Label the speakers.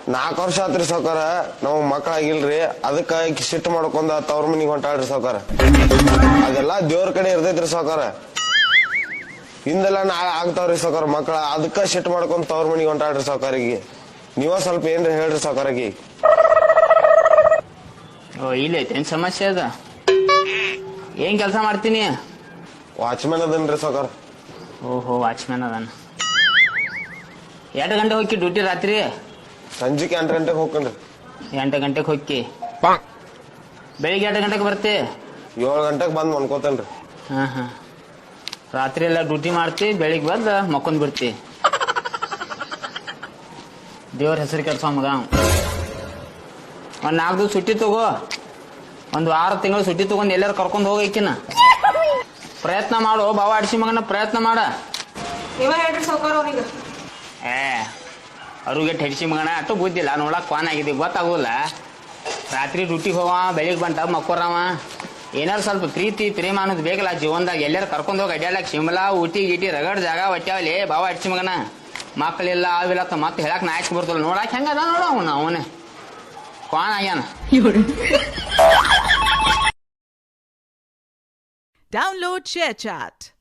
Speaker 1: 4 ವರ್ಷ ಆತ್ರಿ ಸಾವ್ಕಾರ ನಾವ್ ಮಕ್ಳಾಗಿಲ್ರಿ ಅದಕ್ಕ ಸಿಟ್ಟು ಮಾಡ್ಕೊಂಡ ತವ್ರ ಮನಿಗ್ ಹೊಂಟಾಳ್ರಿ ಸಾವ್ಕಾರ. ಅದೆಲ್ಲಾ ದೇವ್ರ ಕಡೆ ಇರ್ತೈತ್ರಿ ಸಾವ್ಕಾರ. ಹಿಂದೆಲ್ಲ ನಾಳೆ ಆಗ್ತಾವ್ರಿ ಸಾವ್ಕಾರ ಮಕ್ಳ, ಅದಕ್ಕ ಸಿಟ್ಟು ಮಾಡ್ಕೊಂಡ್ ತವ್ರ ಮನಿಗ್ ಹೊಂಟಾಳ್ರಿ ಸಾವ್ಕಾರಿಗೆ. ನೀವ ಸ್ವಲ್ಪ ಏನ್ರಿ ಹೇಳ್ರಿ ಸಾವ್ಕಾರಗಿ.
Speaker 2: ಓ ಇಲ್ಲ ಐತೇನ್ ಸಮಸ್ಯೆ ಅದ? ಏನ್ ಕೆಲಸ ಮಾಡ್ತೀನಿ?
Speaker 1: ವಾಚ್ಮ್ಯಾನ್ ಅದನ್ರಿ ಸಾವ್ಕಾರ.
Speaker 2: ಓಹೋ ವಾಚ್ಮ್ಯಾನ್ ಅದಾನ. 2 ಗಂಟೆ ಹೋಗಿ ಡ್ಯೂಟಿ ರಾತ್ರಿ?
Speaker 1: ಸಂಜಿಕೆ 8 ಗಂಟೆಗೆ ಹೋಗ್ಕಂಡ್ರಿ.
Speaker 2: 8 ಗಂಟೆಗೆ ಹೋಗಿ ಬೆಳಿಗ್ಗೆ 2 ಗಂಟೆಗೆ ಬರ್ತಿ?
Speaker 1: 7 ಗಂಟೆಗೆ ಬಂದ್ ಮನ್ಕೋತೇನ್ರಿ.
Speaker 2: ಹಾ ರಾತ್ರಿ ಎಲ್ಲ ಡ್ಯೂಟಿ ಮಾಡ್ತಿ, ಬೆಳಿಗ್ಗೆ ಬಂದ ಮಕ್ಕೊಂಡ್ ಬಿಡ್ತಿ. ದೇವ್ರ ಹೆಸರು ಕೆಲ್ಸ ಮಗ. ಒಂದ್ 4 ದಿವಸ ಸುಟ್ಟಿ ತಗೋ, 1 ತಿಂಗಳು ಸುಟ್ಟಿ ತಗೊಂಡ್ ಎಲ್ಲಾರು ಕರ್ಕೊಂಡ್ ಹೋಗಕ್ಕಿನ ಪ್ರಯತ್ನ ಮಾಡು. ಬಾವ ಆಡ್ಸಿ ಮಗನ ಪ್ರಯತ್ನ ಮಾಡ. ಅವ್ರಿಗೆ ಹೆಡ್ಸಿ ಮಗನ ಅಟ್ಟು ಬುದ್ಧಿಲ್ಲ, ನೋಡಕ್ ಕ್ವಾನ್ ಆಗಿದೆ ಗೊತ್ತಾಗೋಲ್ಲ. ರಾತ್ರಿ ಡ್ಯೂಟಿಗೆ ಹೋವ, ಬೆಳಿಗ್ಗೆ ಬಂಟ ಮಕ್ಕೋರವ. ಏನಾರು ಸ್ವಲ್ಪ ಪ್ರೀತಿ ಪ್ರೇಮ ಅನ್ನೋದು ಬೇಕಲ್ಲ ಜೀವನದಾಗ. ಎಲ್ಲಾರು ಕರ್ಕೊಂಡ್ ಹೋಗಿ ಅಡ್ಯಾಡಕ್ ಶಿಮ್ಲಾ ಊಟಿ ಗೀಟಿ ರಗಡ್ ಜಾಗ ಒಟ್ಟಾವಲಿ ಬಾವ ಅಡ್ಸಿ ಮಗನ. ಮಕ್ಕಳೆಲ್ಲ ಅವಿಲ್ಲ ಮತ್ತೆ ಹೇಳಕ್ ನಾಯಕ್ ಬರ್ತಲ್ಲ. ನೋಡಕ್ ಹೆಂಗದ ನೋಡ ಅವನೇ ಕ್ವಾನ್ ಆಗ್ಯಾನ.
Speaker 3: Download ShareChat.